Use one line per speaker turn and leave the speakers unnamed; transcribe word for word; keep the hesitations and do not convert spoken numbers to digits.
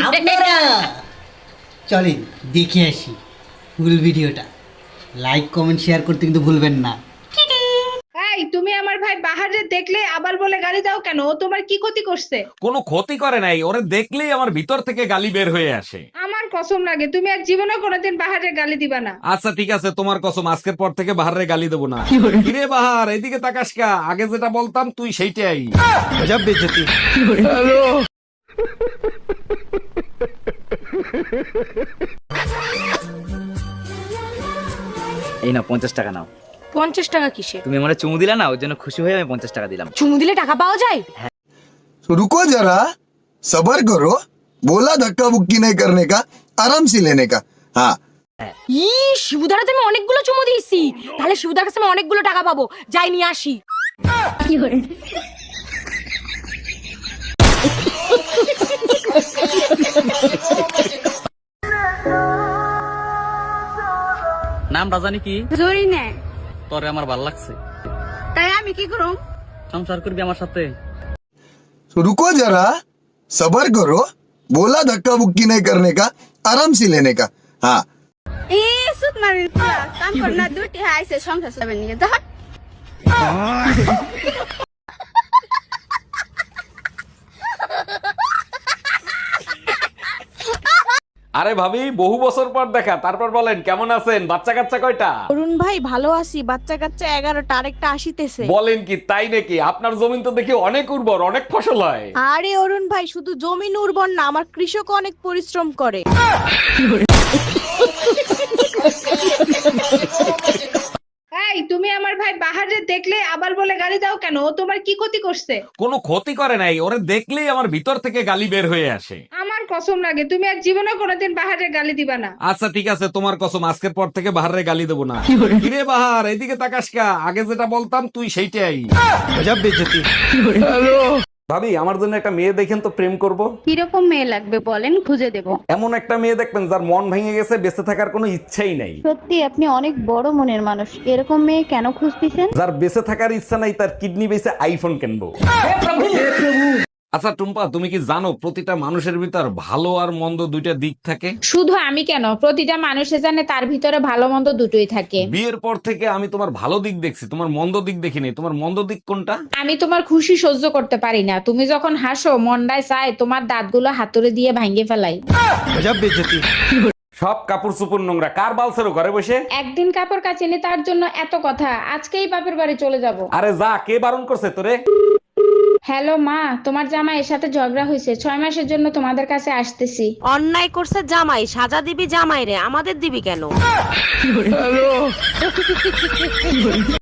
আপনারা চলেন দেখে আসি ফুল ভিডিওটা। লাইক কমেন্ট শেয়ার করতে কিন্তু ভুলবেন না।
এই তুমি আমার ভাই বাহারে দেখলে আবার বলে গালি দাও কেন? ও তোমার কি ক্ষতি করছে?
কোনো ক্ষতি করে নাই, ওরে দেখলেই আমার ভিতর থেকে গালি বের হয়ে আসে।
আমার কসম লাগে তুমি আর জীবনে কোনোদিন বাহারে গালি দিবা না।
আচ্ছা ঠিক আছে, তোমার কসম, আজকের পর থেকে বাহারে গালি দেবো না। কিরে বাহার, এদিকে তাকাস কা, আগে যেটা বলতাম তুই সেইটাই। গজব বেজতি। হ্যালো।
এই নাও পঞ্চাশ টাকা নাও।
পঞ্চাশ টাকা কিসে?
তুমি আমার চুমু দিলা না, ওর জন্য খুশি হয়ে আমি পঞ্চাশ টাকা দিলাম।
চুমু দিলে টাকা পাওয়া যায়?
रुको जरा सबर करो, बोला धक्का बुक्की नहीं करने का, आराम से लेने का। हाँ
ই শিবুদার আমি অনেকগুলো চুমু দিয়েছি, তাহলে শিবুদার কাছে আমি অনেকগুলো টাকা পাবো। যাই নিয়ে আসি।
নামটা জানি কি?
জরি নে।
তোরে আমার ভালো লাগছে,
তাই আমি কি করব?
সংসার করবি আমার সাথে?
रुको जरा सबर करो, बोला धक्का बुक्की नहीं करने का, आराम से लेने का। हाँ
এ সুত মারিন কাম কর না, দুটি আইছে সংসার চলবে নিয়ে যা।
আরে ভাবি, বহু বছর পর দেখা, তারপর বলেন কেমন আছেন? বাচ্চা কাচ্চা কয়টা?
অরুণ ভাই ভালো আছি, বাচ্চা কাচ্চা এগারোটা, আরেকটা আসিতেছে।
বলেন কি, তাই নাকি? আপনার জমিন তো দেখি অনেক উর্বর, অনেক ফসল হয়।
আরে অরুণ ভাই শুধু জমিন উর্বর না, আমার কৃষক অনেক পরিশ্রম করে।
এই তুমি আমার ভাই বাহারে দেখলে আবার বলে গালি দাও কেন? ও তোমার কি ক্ষতি করছে?
কোনো ক্ষতি করে নাই, ওরে দেখলেই আমার ভিতর থেকে গালি বের হয়ে আসে।
আমার কসম লাগে তুমি আর জীবনে কোনোদিন বাহারে গালি দিবা না।
আচ্ছা ঠিক আছে, তোমার কসম, আজকের পর থেকে বাহারে গালি দেবো না। কিরে বাহার, এদিকে তাকাস কা, আগে যেটা বলতাম তুই সেইটাই। গজব বেজতি। হ্যালো। ভাবি, আমার জন্য একটা মেয়ে দেখেন তো, প্রেম করব।
কিরকম মেয়ে লাগবে বলেন, খুঁজে দেব।
এমন একটা মেয়ে দেখবেন যার মন ভেঙে গেছে, বেঁচে থাকার কোনো ইচ্ছাই নাই।
সত্যি আপনি অনেক বড় মনের মানুষ, এরকম মেয়ে কেন খুঁজতেছেন?
যার বেঁচে থাকার ইচ্ছা নাই, তার কিডনি বেঁচে আইফোন কিনবো। আচ্ছা টুম্পা, তুমি কি জানো প্রতিটা মানুষের ভিতর ভালো আর মন্দ দুইটা দিক থাকে?
শুধু আমি কেন, প্রতিটা মানুষে জানে তার ভিতরে ভালো মন্দ দুটোই থাকে।
বিয়ের পর থেকে আমি তোমার ভালো দিক দেখছি, তোমার মন্দ দিক দেখিনি। তোমার মন্দ দিক কোনটা?
আমি তোমার খুশি সহ্য করতে পারি না। তুমি যখন হাসো মনটায় চায় তোমার দাঁতগুলো হাতুড়ে দিয়ে ভাঙিয়ে ফেলাই।
গজব বেজতি। সব কাপড় চোপড় নোংরা, কার বালছেরো ঘরে বসে?
একদিন কাপড় কাচিনি তার জন্য এত কথা, আজকেই বাপের বাড়ি চলে যাব।
আরে যা, কে বারণ করছে তোরে?
হ্যালো মা, তোমার জামাইয়ের সাথে ঝগড়া হয়েছে, ছয় মাসের জন্য তোমাদের কাছে আসতেছি।
অন্যায় করছে জামাই, সাজা দিবি জামাই রে, আমাদের দিবি কেন?